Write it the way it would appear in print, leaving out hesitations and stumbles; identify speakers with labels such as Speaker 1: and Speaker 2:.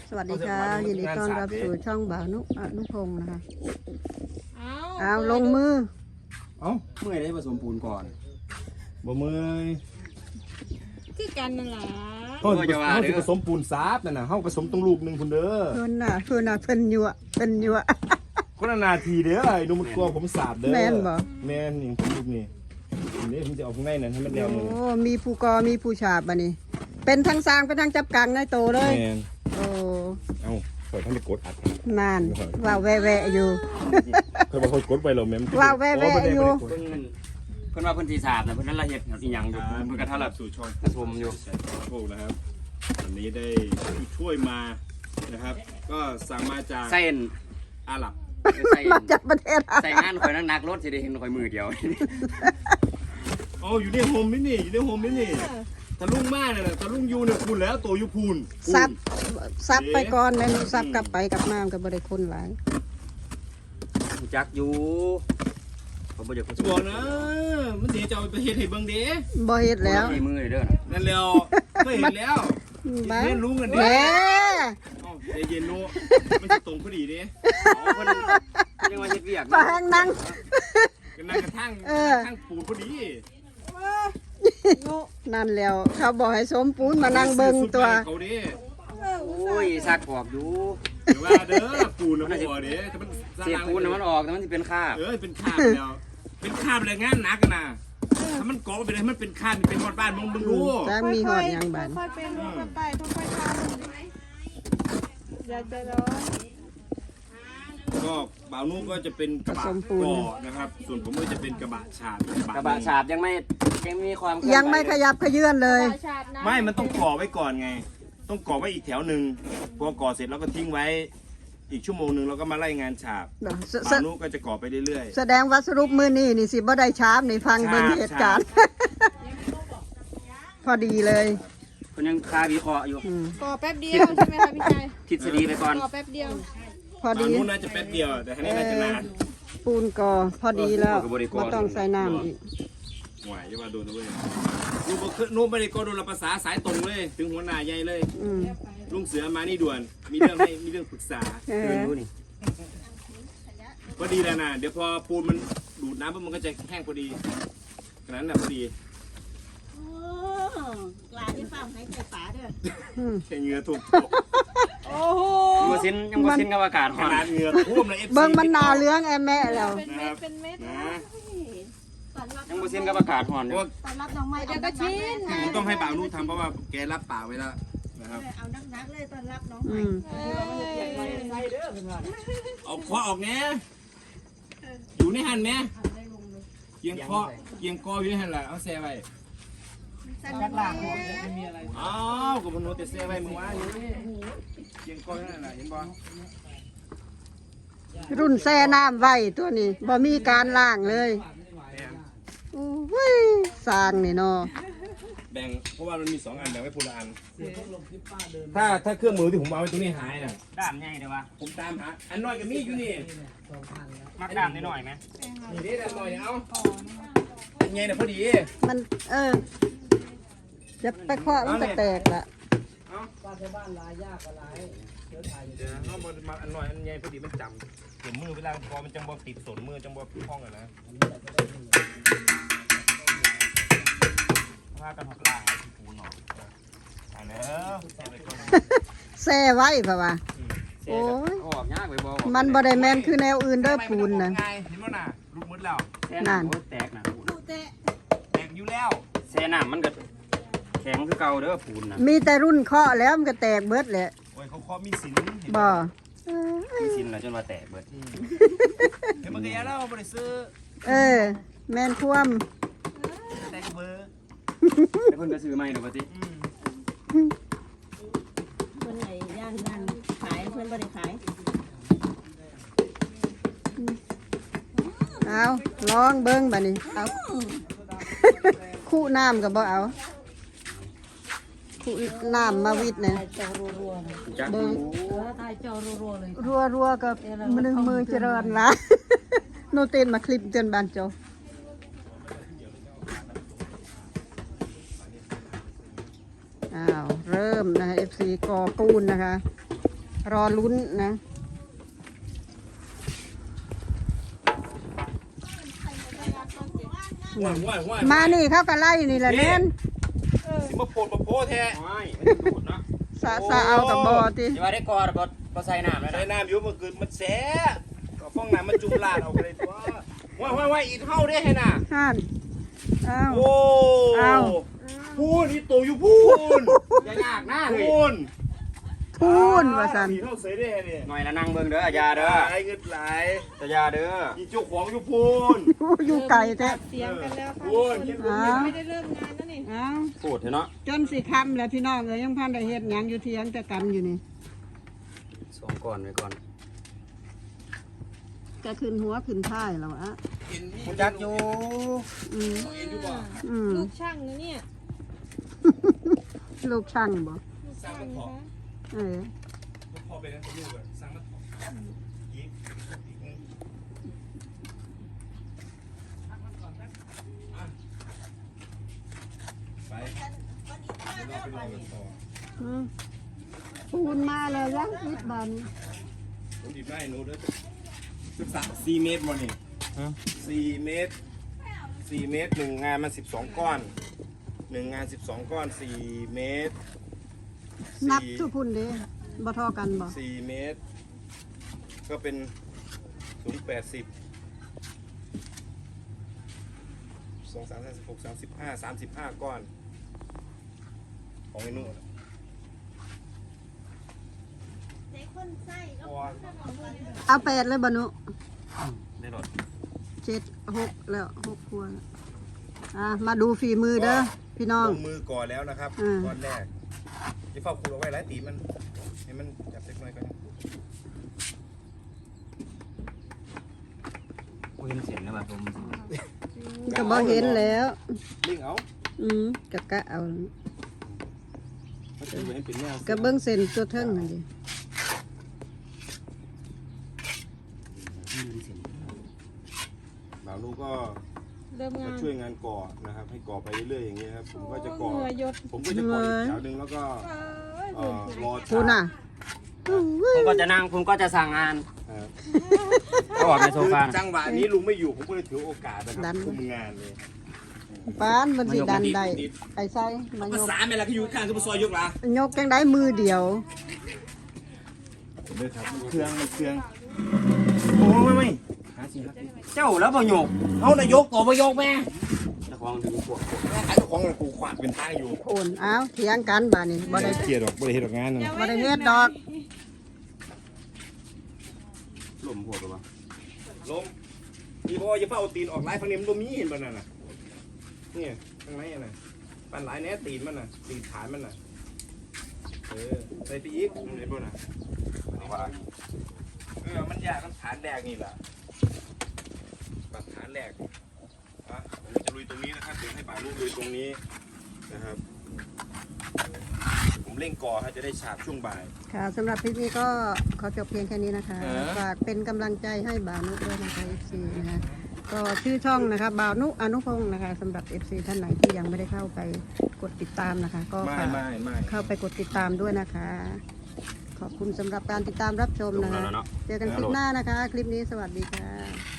Speaker 1: สวัสดีค่ะยินดีต้อนรับสู่ช่องบ่าวนุพงศ์นะคะเอาลงมือ
Speaker 2: เมื่อยได้ผสมปูนก่อน
Speaker 3: บ่เมื่อย
Speaker 1: คือกันนั่นแหละ
Speaker 3: เฮาสิผสมปูนซาบนั่นน่ะเฮาผสมตรงลูกนึงพุ่นเด้อ
Speaker 1: เพิ่นน่ะเพิ่นยั่ว
Speaker 3: คนละนาทีเด้อไอ้นุ่มกลัวผมสาบเด้อ
Speaker 1: แม่นบ่
Speaker 3: แม่นนี่ลูกนี่นี่ผมจะเอาข้างในนั่นให้มันแนวนึง
Speaker 1: โอ้มีผู้กอมีผู้ฉาบบัดนี้เป็นทั้งสร้างเป็นทั้งจับกังในโตเลย
Speaker 3: แม่น
Speaker 1: โอ้
Speaker 3: เอ้าข่อยท่านได้กดอัด
Speaker 1: นานว้าวแวะอยู่
Speaker 3: ข่อยบ่ค่อยกดไปหรอกแม่ม
Speaker 1: ว้าวแวะอยู่
Speaker 2: เพิ่นว่าเพิ่นสิสาบนะเพิ่นนั้นละเฮ็ดอีหยังอยู่เพิ่นก็ทารับสู่ช่องผสมอยู่
Speaker 3: โอ้นะครับวันนี้ได้ช่วยมานะครับก็สั่งมาจาก
Speaker 2: เส้น
Speaker 3: อาหรับ
Speaker 1: มาจากประเทศ
Speaker 2: ใส่งานข่อยนักรถสิได้เห็นข่อยมือเดียว
Speaker 3: อ๋ออยู่ในโฮมนี่อยู่ในโฮมนี่ตะลุงมาเนี่ยตะลุงอยู่เนี่ยพูนแล้วตัวอยู่พูน
Speaker 1: ซับไปก่อนแม่นซับกลับไปกลับมาก็บ่ได้คนหลาย
Speaker 2: จักอยู่ผมบ่อยาก
Speaker 3: บอกนะมันสิจะเอาไปเฮ็ดให้เบิ่งเด้
Speaker 1: บ่เฮ็ดแล้ว
Speaker 2: ให้มือเด้อ
Speaker 3: นั่นแล้วเคยเห็นแล้วเรียนรู้กันเด้ใจเย็นโนมันจะตรงพอดีเด้
Speaker 2: เพิ่นยังว่าเฮ็ดเวียก
Speaker 1: ฟังนั่ง
Speaker 3: กันนั่งกระทั่งปูนพอดี
Speaker 1: นั่นแล้วเขาบอกให้สมปูนมานั่งเบิ่งตัว
Speaker 2: โอ้ยซักออกอยู่
Speaker 3: ว่าเด้อปูนมันบ่เด้แต่มัน
Speaker 2: เสียปูนมันออกแต่มันสิเป็นคราบ
Speaker 3: เป็นคราบแล้วเป็นคราบเลยงานหนักนะถ้ามันเกาะไปเลยมันเป็นคราบเป็นหอดบ้านมึงรู้
Speaker 1: จะมีหอดยังบ้าน
Speaker 4: ค่อยเป็นค่อยไปค่อยทำอย่าใจร้อน
Speaker 3: ก็บ่าวนุ่งก็จะเป็นกระบะก่อนะครับส่วนผมก็จะเป็นกระบะฉาบ
Speaker 2: กระบะฉาบยังมีความ
Speaker 1: ยังไม่ขยับขยื่นเลย
Speaker 3: ไม่มันต้องก่อไว้ก่อนไงต้องก่อไว้อีกแถวหนึ่งพอก่อเสร็จแล้วก็ทิ้งไว้อีกชั่วโมงนึงเราก็มาไล่งานฉาบบ่าวนุ่งก็จะก่อไปเรื่อย
Speaker 1: ๆแสดงว่าสรุปมือนี่สิบ่ได้ชาบนี่ฟังเบิ่งเหตุการณ์พอดีเลย
Speaker 2: คนยังคาวิเคราะห์อยู่
Speaker 4: ก่อแป๊บเดียวใช่ไหมคะพี่ชาย
Speaker 2: ทฤษฎีไปก่อน
Speaker 4: ก่อแป๊บเดียว
Speaker 1: พอดี
Speaker 3: นู่นน่าจะแป๊บเดียวแต่ทีนี้น่าจะนาน
Speaker 1: ปูนก่อพอดีแล้วไม่ต้องใส่น้ำอีก
Speaker 3: หวายจะมาโดนเลยนู่นไม่ได้ก็โดนภาษาสายตรงเลยถึงหัวหน้าใหญ่เลยลุงเสือมานี่ด่วนมีเรื่องปรึกษาพอดีแล้วนะเดี๋ยวพอปูนมันดูดน้ำปุ๊บมันก็จะแห้งพอดีขนาดนั้นพอดี
Speaker 4: กลาที่ฟังให้ใจป๋าเด้อ
Speaker 3: ใช้เงือถูก
Speaker 4: โอ้โห
Speaker 2: ยังบ่ซินกับอากาศ
Speaker 3: ขนาดเงือท่วมเลย
Speaker 1: เบิ่งมันนาเลื้องแม่แล้ว
Speaker 4: เป็นเม็ด
Speaker 2: ยังบ่ซินกับอากาศร้อน
Speaker 4: ตอนรับน้องใหม่เดี๋ยวก็ชิน
Speaker 3: ผมต้องให้บ่าวนุ่งทำเพราะว่าแกรับปากไว้แล้วนะครับ
Speaker 4: เอานักเลยตอนรับน้องใหม่
Speaker 3: เอาคอออกแน่อยู่ในหันแน่เกียงคออยู่ในหันแหละเอาแซ่ไว้อ้าวกับมนุษย์แต่แซ่ไว้มึงว่าอยู่เกียงคอนั่นแหละเห็นบ่
Speaker 1: รุ่นแซ่น้ำไว้ตัวนี้บ่มีการล้างเลยโอ้ยสร้างนี่เนาะ
Speaker 3: แบ่งเพราะว่ามันมี2อันแบ่งไว้คนละอันถ้าเครื่องมือที่ผมเอาไว้ตรงนี้หายน่ะ
Speaker 2: ด้ามใหญ่เด้อวะ
Speaker 3: ผมตามหาอันน้อยกับมีอยู่นี่
Speaker 2: มักด้ามนิดหน่อยไหม
Speaker 3: นี่ด้ามน้อยเอาอันใหญ่น่ะพอดี
Speaker 1: มันจะไปเคาะมันจะแตกละ
Speaker 3: บ้านลายยากกับลายเดี๋ยวเอามาอันน้อยอันใหญ่พอดีมันจำเดี๋ยวมือเวลาพอมันจังบ่ติดสนมือจังบ่คล้องอ่ะนะผ้ากันหักลายที่ปูนหน่อยอันนี้
Speaker 1: แซ่ไว้ป่ะวะโอ้ยมันบ่ได้แม่นคือแนวอื่นเด้อปูนนะ
Speaker 3: เห็นบ่น่ะลูกมืดแล้ว
Speaker 1: นั่น
Speaker 2: แตกนะ
Speaker 3: แตกอยู่แล้ว
Speaker 2: แซ่น้ำมันก็แข็งคือเก่าเด้อปูนนะ
Speaker 1: มีแต่รุ่นเคาะแล้วมันก็แตกเบิดแหละ
Speaker 3: โอ้ยเขาเคาะมีสิน
Speaker 1: บ่
Speaker 2: มีสินแล้วจนว่าแตกเบิด
Speaker 3: เห็นมันก็ยาแล้วบ่ได้ซื้อ
Speaker 1: แม่นท่วม
Speaker 3: แตกเบอร์
Speaker 2: เพิ่นก็ซื้อใหม่เด้อปะติ
Speaker 4: เพิ่นไหนย่างขายเพิ่นบ่ได้ขาย
Speaker 1: เอาลองเบิ่งบัดนี้เอาคู่น้ำก็บ่เอาคู่น้ำมาวิดเนี่ย
Speaker 2: เบิ่ง
Speaker 4: ถ่ายจอรัวๆเลย
Speaker 1: รัวๆกับมือเจริญละโนเตนมาคลิปเตือนบานโจอ้าวเริ่มนะคะ FC กอปูนนะคะรอลุ้นนะ
Speaker 3: ว่าย
Speaker 1: มานี่เขาก็ไล่นี่แหละเน้น
Speaker 3: สิมาโพดมาโพแท้
Speaker 2: ไม่มันดูดเนาะ
Speaker 1: สะเอากับบอติ
Speaker 2: ที่ว่าได้กอดบ่ใส่น้ำแล้ว
Speaker 3: ใส่
Speaker 2: นะ
Speaker 3: น้ำอยู่เมื่อคืนมันแสบก็ฟ้องน้ำมันจุ่มลาดเอาไปเลยตัวว่ายอีกเท่าได้ให้น่ะ
Speaker 1: ห่านเอา
Speaker 3: โอ้
Speaker 1: เอา
Speaker 3: พูนอีโตอยู่พูน
Speaker 2: อย่ายากนะเฮ้ย
Speaker 3: พูน
Speaker 1: พูนว่าสัน
Speaker 3: อีเท่าเสยได้เนี่ย
Speaker 2: หน่อยละนั่งเบิ่งเด้ออย่าเด้อ
Speaker 3: หลายเงินหลาย
Speaker 2: แต่อย่าเด้อ
Speaker 3: อีเจ้าของอยู่พูน
Speaker 1: อยู่ไก่แท้
Speaker 4: เสียงกันแล้วค่ะ
Speaker 3: โอ้ย
Speaker 4: ไม่ได้เริ่มงานแล้วนี่
Speaker 1: เอา
Speaker 2: พูดเถอะเนาะ
Speaker 1: จนสิคำแล้วพี่น้องเลยยังพันได้เฮ็ดหยังอยู่เที่ยงแต่กันอยู่นี่
Speaker 2: สองก่อนไว้ก่อน
Speaker 1: ก็ขึ้นหัวขึ้นท้ายแล้วอะ
Speaker 2: กูจักอยู่
Speaker 1: อืมอืม
Speaker 4: ลูกช่างนะเนี่ย
Speaker 1: ลูกช่างบ่
Speaker 4: ลูกช่างนะคะ
Speaker 1: เออ
Speaker 3: พ่อไปนั่นลูกอะสั่งมายิงไปเดี๋ยวเราไปรอกันต่อ
Speaker 1: อืมปูนมาแล้วยังอิดบาน
Speaker 3: ผมดีบได้หนูเด้อ4 เมตรวันนี้4 เมตร4 เมตรหนึ่งงานมัน12 ก้อน1 งาน12 ก้อน4 เมตร
Speaker 1: นับทุกพุ่นเด้บ่เทอกันบ่
Speaker 3: 4 เมตร ก็เป็นสูง80 2 3 4 6 35 ก้อน ของไอ้นุ่น
Speaker 1: เอา8เลยบ่หนุ
Speaker 2: ได้รถ
Speaker 1: 7 6แล้ว6ครัวแล้วมาดูฝีมือเด้อพี่น้อง
Speaker 3: ลงมือก่อนแล้วนะครับ
Speaker 1: อืม
Speaker 3: ก้อนแรกที่เฝ้าคูเอาไว้หลายตีมันให้มันจับเล็กน้อยก่อน
Speaker 2: กูเห็นเสียงแล้วแบบผม
Speaker 1: ก็บ่เห็นแล้ว
Speaker 3: ลิงเอา
Speaker 1: กะเอา
Speaker 3: มันจะเหมือนเป็นแนว
Speaker 1: ก็เบิ่งเส้นตัวเทิงนั่นดิ
Speaker 3: บ่าวลูกก็
Speaker 4: เริ่มงาน
Speaker 3: ช่วยงานก่อนะครับ ให้ก่อไปเรื่อยๆอย่างเงี้ยครับผมก็จะก่อ
Speaker 4: เหงื่อหยด
Speaker 3: ผมก็จะก่ออีกแถวหนึ่งแล้วก็
Speaker 4: เอ้ย
Speaker 3: รอ
Speaker 1: พูน่ะ
Speaker 2: ผมก็จะนั่งผมก็จะสั่งงาน
Speaker 3: ครับ
Speaker 2: ก็ออกในโซฟา
Speaker 3: จังหวะนี้ลุงไม่อยู่ผมก็เลยถือโอกาสนะครับคุมงานเลย
Speaker 1: ปานมันสิดันได้ไอ้ไส้มาย
Speaker 3: ภาก ษาแม่ละก็อยู่ข้างคือมาซอยยกละ
Speaker 1: ยกจังได้มือเดียว
Speaker 3: เด้อครับเครื่องมันเครื่องโอ้ไม่หาสิครับ
Speaker 2: เจ้าแล้วบ่โยก
Speaker 3: เอานายกต่อมายกแม่
Speaker 2: เจ้าของดึงพวก
Speaker 3: แม่ขายเจ้าของกูขวาดเป็นทางอยู่
Speaker 1: โอนอ้าวเถียงกันบาดนี้บ่ได้
Speaker 3: เกียดดอกบ่ได้เฮ็ดดอกงานนะ
Speaker 1: บ่ได้เฮ็ดดอก
Speaker 2: ลมพวกหรือเปล่า
Speaker 3: ลมพี่บอกว่าอย่าเฝ้าเอาตีนออกไล่ฟังนี้มันบ่มีเห็นบ่นั่นน่ะนี่ข้างในน่ะปันหลายแน่ตีนมันน่ะตีนฐานมันน่ะใส่ไปอีกมันได้บ่น่ะมันยากมันฐานแรกนี่แหละปัดฐานแรกผมจะลุยตรงนี้นะครับเดี๋ยวให้บ่าวลูกลุยตรงนี้นะครับผมเร่งก่อให้จะได้ฉาบช่วงบ่าย
Speaker 1: ค่ะสำหรับคลิปนี้ก็ขอจบเพียงแค่นี้นะคะ ฝากเป็นกำลังใจให้บ่าวนุด้วยนะคะ FC นะคะก็ชื่อช่องนะคะบ่าวนุอนุพงศ์นะคะสำหรับ FC ท่านไหนที่ยังไม่ได้เข้าไปกดติดตามนะคะ ก็ฝาก
Speaker 3: ไม่
Speaker 1: เข้าไปกดติดตามด้วยนะคะ ขอบคุณสำหรับการติดตามรับชมนะคะ เจอกันคลิปหน้านะคะ คลิปนี้สวัสดีค่ะ